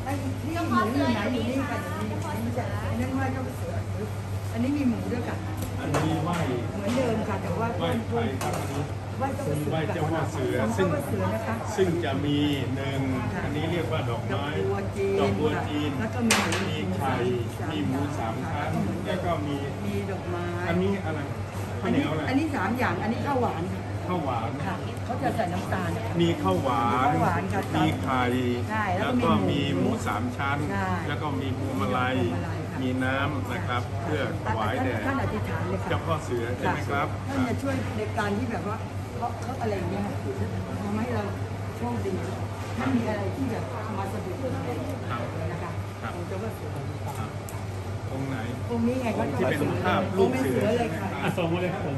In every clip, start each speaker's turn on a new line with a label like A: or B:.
A: นี่หมูอยู่ไหนอยู่นี่กันอันนั้นไหว้เจ้าเสืออันนี้มีหมูด้วยกัน
B: อันนี้ไหว้
A: เหมือนเดิมค่ะแต่ว่า
B: ไหว้ใครครับ
A: ไหว้เจ้าเสือ
B: ซึ่งจะมีหนึ่งอันนี้เรียกว่าดอกไม้ดอกบัวจีน
A: แล้วก็
B: มีไข่มีหมูสามชั้นแล้วก็มี
A: ดอกไม้
B: อันนี้อะไรข้าวเหนียวอะไร
A: อันนี้3อย่างอันนี้ข้าวหวาน
B: ข้าวหวาน
A: ค่ะเขาจะใส่น้ำตาล
B: มีข้าวหวานมีไข่แล้วก็มีหมูสามชั้นแล้วก็มีพวงมาลัยมีน้ำนะครับเพื่อถวายแด่
A: ท่านอธิษฐานเลยค่ะ
B: เจ้าพ่อเสือใช่ไหมครับ
A: ท่านจะช่วยในการที่แบบว่าเขาอะไรเงี้ยทำให้เราโชคดีไม่มีอะไรที่แบบมาสะดุดนะคะองค์เจ้าพ่อเสือ
B: องค์ไหน
A: องค์นี้ไง
B: ที่เป็นภาพรูปเสือ
A: เลยค่ะ
C: ส่งมาเลยครับผม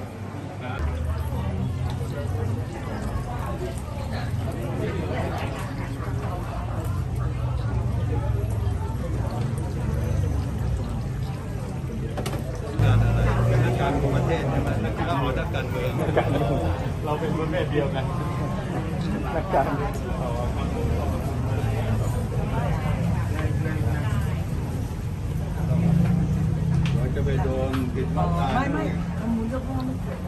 B: การของประเทศใช่ไหมเราเอานักการเมืองเราเป็นประเภทเดียวกันนักการเราจะไปโดนปิดปากตา
A: ไม่ทำบุญเจ้าพ่อไม่เกิด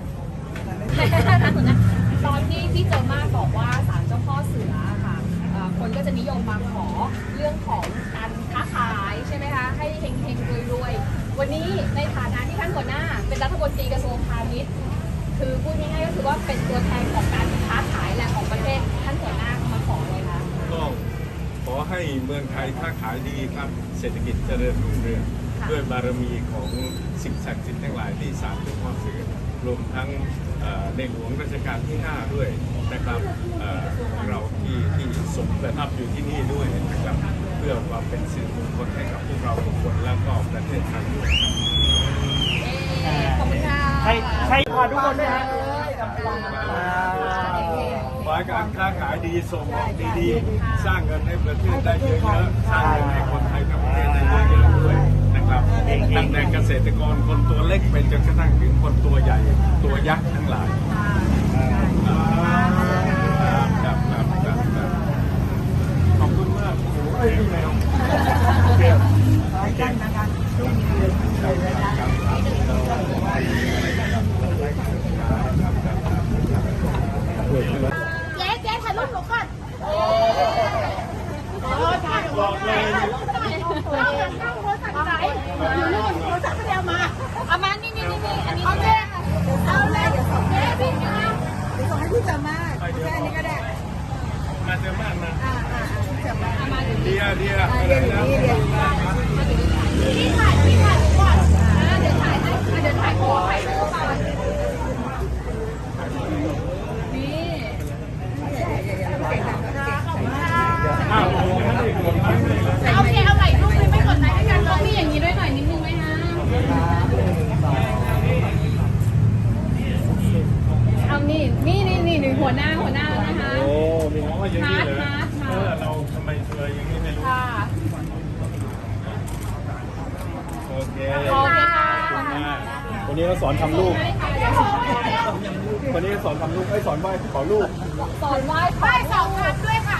D: ตอนที่เจอมากบอกว่าศาลเจ้าพ่อเสือค่ะคนก็จะนิยมมาขอเรื่องของการค้าขายใช่ไหมคะให้เฮงๆรวยๆวันนี้ในฐานะที่ท่านหัวหน้าเป็นรัฐมนตรีกระทรวงพาณิชย์คือพูดง่ายๆก็คือว่าเป็นตัวแทนของการค้าขายแหละของประเทศท่านหัวหน้ามาขอเลยค่ะ
B: ก็ขอให้เมืองไทยค้าขายดีครับเศรษฐกิจเจริญรุ่งเรืองด้วยบารมีของสิ่งศักดิ์สิทธิ์ทั้งหลายที่ศาลเจ้าพ่อเสือรวมทั้งในหลวงรัชกาลที่5ด้วยนะครับของเราที่ทรงประทับอยู่ที่นี่ด้วยนะครับเพื่อความเป็นสิริมงคลให้กับพวกเราทุกคนและก็ประเทศไทยด้วย
D: ขอบคุณค่ะ
C: ใครพาทุกคนด้วยฮะ
B: ขอให้การค้าขายดีส่งออกดีๆสร้างเงินให้ประเทศได้เยอะๆสร้างเงินให้คนไทยกับประเทศได้เยอะๆด้วยนะครับตั้งแต่เกษตรกรคนตัวเล็กไปจนกระทั่งถึงคนตัวใหญ่ตัวยักษ์ทั้งหลายครับขอบคุณมากโอ้ยพี่แมว
A: ขอให้ท่านนะคะช่วยมีเงินเลยนะคะ
D: เจ๊ถ่ายรูปหนูก่อน
B: บอกเลย
D: เข้าโทรศัพท์ไหนอยู่นู่นโทรศัพท์ก็เดียวมาเอามานี่อันนี้เอาเลยเอาเลยเดี๋ยวส่งให้พี่นะ
A: เดี๋ยวส่งให้พี่จำมาแค่นี้ก็ได้
B: มาเจอมากนะ
A: จำมา
B: เดีย
A: นี่ถ่าย
D: ก่อนเดี๋ยวถ่ายขอให้ดูก่อนโอเคเอาไหล่ลูกไม่กดไลค์ให้กันต้องมีอย่างนี้ด้วยหน่อยนิดนึงไหมฮะเอานี่หนึ่งหัวหน้าแล้วนะคะ
B: โอ้มีน้องว่าอย่างนี้เลยเราทำไมเธออย่างนี้ไม่รู้โอเควันนี้เราสอนทำลูกวันนี้สอนทำลูกสอนไหว้ขอลูก
D: สอนไหว้สองครั้งด้วยค่ะ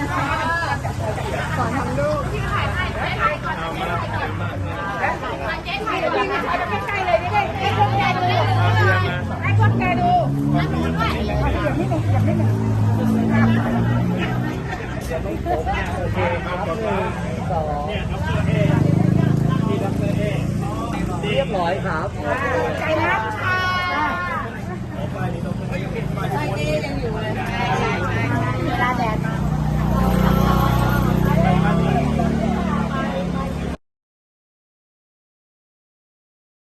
A: สอนทำลูก
D: ที่ถ่ายให้ก่อนเจ๊ถ่ายเลยถ่ายไปใกล้ๆเลยได้ให้พวกแกดูให้พวกแกดูนั่นหนูด้วย
A: อย่าไม่หนึ่ง
B: โอเคครับขอบคุณ
C: เนี่ยดร.เอนี่ดร.เอเรียบร้อยครับ
A: ใจนะ